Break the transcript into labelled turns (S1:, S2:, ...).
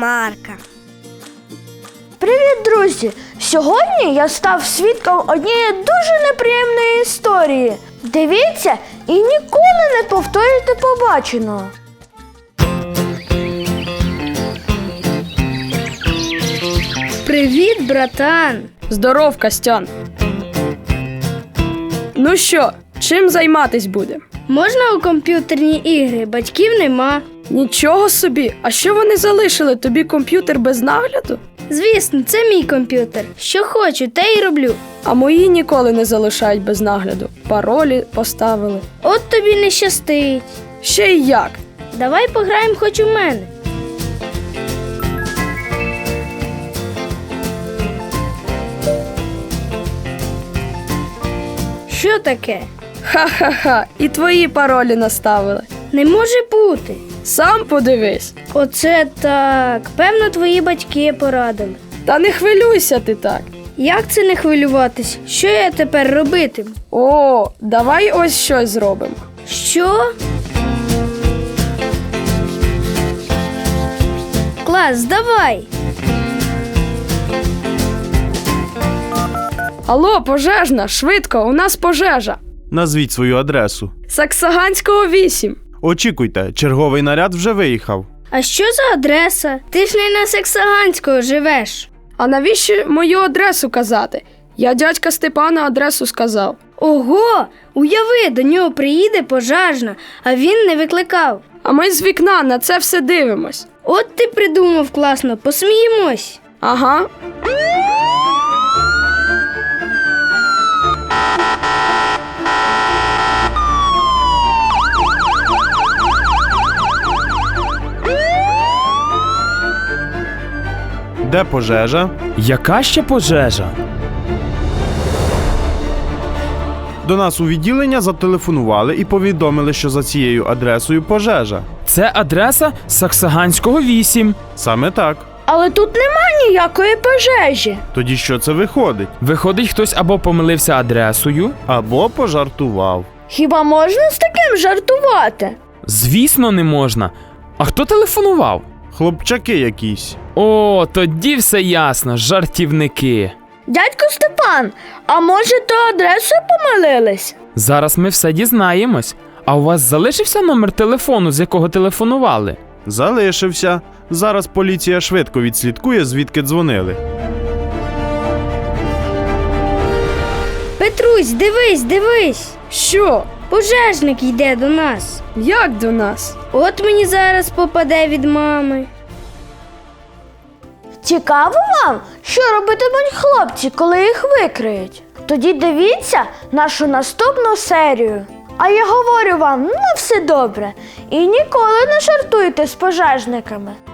S1: Марка.
S2: Привіт, друзі! Сьогодні я став свідком однієї дуже неприємної історії. Дивіться і ніколи не повторюйте побаченого.
S1: Привіт, братан!
S3: Здоров, Костян! Ну що, чим займатись будемо?
S1: Можна у комп'ютерні ігри? Батьків нема.
S3: Нічого собі! А що вони залишили? Тобі комп'ютер без нагляду?
S1: Звісно, це мій комп'ютер. Що хочу, те й роблю.
S3: А мої ніколи не залишають без нагляду. Паролі поставили.
S1: От тобі не щастить.
S3: Ще й як?
S1: Давай пограємо хоч у мене. Що таке?
S3: Ха-ха-ха, і твої паролі наставили.
S1: Не може бути.
S3: Сам подивись.
S1: Оце так. Певно, твої батьки порадили.
S3: Та не хвилюйся ти так.
S1: Як це не хвилюватись? Що я тепер робитиму?
S3: О, давай ось щось зробимо.
S1: Що? Клас, давай!
S3: Алло, пожежна, швидко, у нас пожежа.
S4: Назвіть свою адресу.
S3: Саксаганського 8.
S4: Очікуйте, черговий наряд вже виїхав.
S1: А що за адреса? Ти ж не на Саксаганського живеш.
S3: А навіщо мою адресу казати? Я дядька Степана адресу сказав.
S1: Ого! Уяви, до нього приїде пожежна, а він не викликав.
S3: А ми з вікна на це все дивимось.
S1: От ти придумав класно, посміємось.
S3: Ага.
S4: Де пожежа?
S5: Яка ще пожежа?
S4: До нас у відділення зателефонували і повідомили, що за цією адресою пожежа.
S5: Це адреса Саксаганського 8.
S4: Саме так.
S2: Але тут нема ніякої пожежі.
S4: Тоді що це виходить?
S5: Виходить, хтось або помилився адресою.
S4: Або пожартував.
S2: Хіба можна з таким жартувати?
S5: Звісно, не можна. А хто телефонував?
S4: Хлопчаки якісь.
S5: О, тоді все ясно, жартівники.
S2: Дядько Степан, а може то адресою помилились?
S5: Зараз ми все дізнаємось. А у вас залишився номер телефону, з якого телефонували?
S4: Залишився. Зараз поліція швидко відслідкує, звідки дзвонили.
S1: Петрусь, дивись!
S3: Що?
S1: Пожежник йде до нас.
S3: Як до нас?
S1: От мені зараз попаде від мами.
S2: Цікаво вам, що робитимуть хлопці, коли їх викриють? Тоді дивіться нашу наступну серію. А я говорю вам, на все добре. І ніколи не жартуйте з пожежниками.